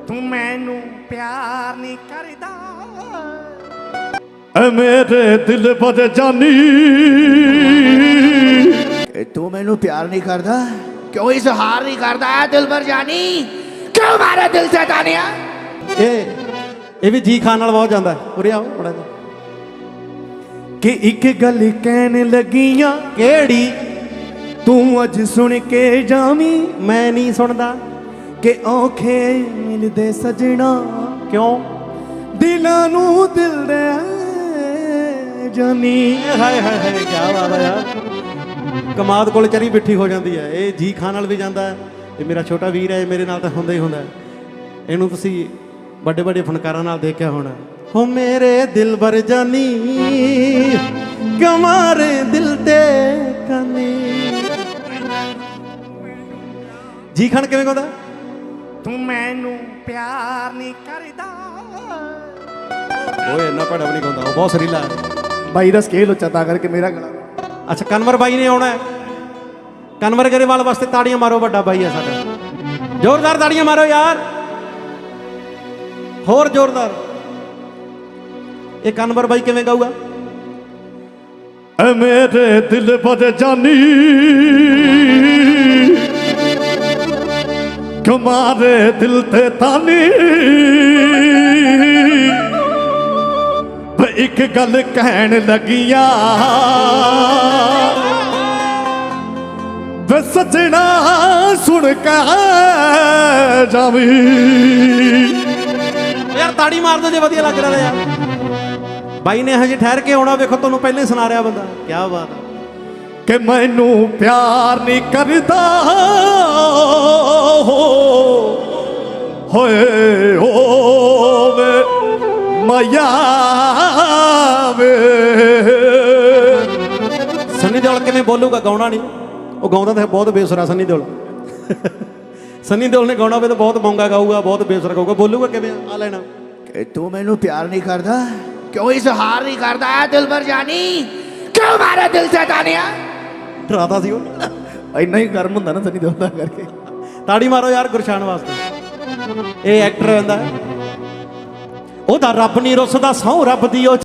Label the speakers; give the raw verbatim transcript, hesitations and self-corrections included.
Speaker 1: ਤੂੰ ਮੈਨੂੰ ਪਿਆਰ ਨਹੀਂ ਕਰਦਾ
Speaker 2: ਐ ਮੇਰੇ ਦਿਲ ਪਰ ਜਾਨੀ
Speaker 3: ਕਿ ਤੂੰ ਮੈਨੂੰ ਪਿਆਰ ਨਹੀਂ ਕਰਦਾ ਕਿਉਂ ਇਜ਼ਹਾਰ ਨਹੀਂ ਕਰਦਾ ਦਿਲ ਭਰ ਜਾਨੀ ਕਿਉਂ ਮਾਰਾ ਦਿਲ ਸੇ ਤਾਨੀਆ।
Speaker 4: ਇਹ ਇਹ ਵੀ ਜੀ ਖਾਨ ਨਾਲ ਬਹੁਤ ਜਾਂਦਾ ਉਰੇ ਆਓ ਬੜਾ
Speaker 2: ਕਿ ਇੱਕ ਗੱਲ ਕਹਿਣ ਲੱਗੀਆਂ
Speaker 4: ਕਿਹੜੀ
Speaker 2: ਤੂੰ ਅੱਜ ਸੁਣ ਕੇ ਜਾਵੀਂ
Speaker 4: ਮੈਂ ਨਹੀਂ ਸੁਣਦਾ
Speaker 2: ਕਿ ਔਖੇ ਮਿਲਦੇ ਸਜਣਾ
Speaker 4: ਕਿਉਂ
Speaker 2: ਦਿਲਾਂ ਨੂੰ ਦਿਲ ਦੇ ਜਾਨੀ।
Speaker 4: ਹਾਏ ਹਾਏ ਹਾਏ ਕੀ ਬਾਤ ਹੈ ਯਾਰ ਕਮਾਦ ਕੋਲ ਚਰੀ ਬਿੱਠੀ ਹੋ ਜਾਂਦੀ ਹੈ। ਇਹ ਜੀ ਖਾਨ ਨਾਲ ਵੀ ਜਾਂਦਾ ਹੈ ਇਹ ਮੇਰਾ ਛੋਟਾ ਵੀਰ ਹੈ ਮੇਰੇ ਨਾਲ ਤਾਂ ਹੁੰਦਾ ਹੀ ਹੁੰਦਾ ਇਹਨੂੰ ਤੁਸੀਂ ਵੱਡੇ ਵੱਡੇ ਫਨਕਾਰਾਂ ਨਾਲ ਦੇਖਿਆ ਹੋਣਾ। ਹੋ ਮੇਰੇ ਦਿਲ ਭਰ ਜਾਨੀ ਕਮਾਰੇ ਦਿਲ ਤੇ ਕਾਨੀ। ਜੀ ਖਾਨ ਕਿਵੇਂ ਗਾਉਂਦਾ
Speaker 1: ਤੂੰ ਮੈਨੂੰ ਪਿਆਰ ਨਹੀਂ ਕਰਦਾ
Speaker 4: ਓਏ ਇੰਨਾ ਭੜਾ ਵੀ ਨਹੀਂ ਗਾਉਂਦਾ ਉਹ ਬਹੁਤ ਸਰੀਲਾ ਹੈ
Speaker 2: ਬਾਈ ਦਾ ਸਕੇਲ ਉੱਚਾ ਤਾਂ ਕਰਕੇ ਮੇਰਾ ਗਲਾ।
Speaker 4: ਅੱਛਾ ਕਨਵਰ ਬਾਈ ਨੇ ਆਉਣਾ ਹੈ ਕਨਵਰ ਗਰੇਵਾਲ ਵਾਸਤੇ ਤਾੜੀਆਂ ਮਾਰੋ ਵੱਡਾ ਬਾਈ ਹੈ ਸਾਡਾ ਜ਼ੋਰਦਾਰ ਤਾੜੀਆਂ ਮਾਰੋ ਯਾਰ ਹੋਰ ਜ਼ੋਰਦਾਰ। ਇਹ ਕਨਵਰ ਬਾਈ ਕਿਵੇਂ ਗਾਊਗਾ
Speaker 2: ਐ ਮੇਰੇ ਦਿਲ ਪਰ ਜਾਨੀ ਕਮਾਰੇ ਦਿਲ ਤੇ ਤਾਨੀ ਵੇ ਇੱਕ ਗੱਲ ਕਹਿਣ ਲੱਗੀਆਂ ਵੇ ਸੱਜਣਾ ਸੁਣ ਕੇ ਜਾਵੀਂ।
Speaker 4: ਯਾਰ ਤਾੜੀ ਮਾਰ ਦੋ ਜੇ ਵਧੀਆ ਲੱਗ ਰਿਹਾ ਯਾਰ ਬਾਈ ਨੇ ਹਜੇ ਠਹਿਰ ਕੇ ਆਉਣਾ ਵੇਖੋ ਤੁਹਾਨੂੰ ਪਹਿਲੇ ਸੁਣਾ ਰਿਹਾ ਬੰਦਾ ਕੀ ਬਾਤ ਹੈ
Speaker 2: ਕਿ ਮੈਨੂੰ ਪਿਆਰ ਨਹੀਂ ਕਰਦਾ ਹੋਏ ਹੋਵੇ ਮਾਇਆ ਵੇ।
Speaker 4: ਸੰਨੀ ਦਿਓਲ ਕਿਵੇਂ ਬੋਲੂਗਾ ਗਾਉਣਾ ਨਹੀਂ ਉਹ ਗਾਉਂਦਾ ਤਾਂ ਬਹੁਤ ਬੇਸੁਰਾ ਸੰਨੀ ਦਿਓਲ ਸੰਨੀ ਦਿਓਲ ਨੇ ਗਾਉਣਾ ਹੋਵੇ ਤਾਂ ਬਹੁਤ ਮੌਂਗਾ ਗਾਊਗਾ ਬਹੁਤ ਬੇਸੁਰਾ ਗਾਊਗਾ ਬੋਲੂਗਾ ਕਿਵੇਂ ਆ ਲੈਣਾ
Speaker 3: ਕਿ ਤੂੰ ਮੈਨੂੰ ਪਿਆਰ ਨਹੀਂ ਕਰਦਾ ਕਿਉਂ ਇਜ਼ਹਾਰ ਨਹੀਂ ਕਰਦਾ ਦਿਲ ਭਰ ਜਾਨੀ ਕਿਉਂ ਮਾਰਾ ਦਿਲ ਸੇ ਤਾਨੀਆ।
Speaker 4: ਡਰਾਦਾ ਸੀ ਉਹ
Speaker 2: ਇੰਨਾ ਹੀ ਗਰਮ ਹੁੰਦਾ ਨਾ ਸਨੀ ਦਿਓਲ ਦਾ ਕਰਕੇ।
Speaker 4: ਤਾੜੀ ਮਾਰੋ ਯਾਰ ਗੁਰਸ਼ਾਨ ਵਾਸਤੇ ਇਹ ਐਕਟਰ ਹੁੰਦਾ ਉਹਦਾ ਰੱਬ ਨਹੀਂ ਰੁੱਸਦਾ ਸਹੁੰ ਰੱਬ ਦੀ ਉਹ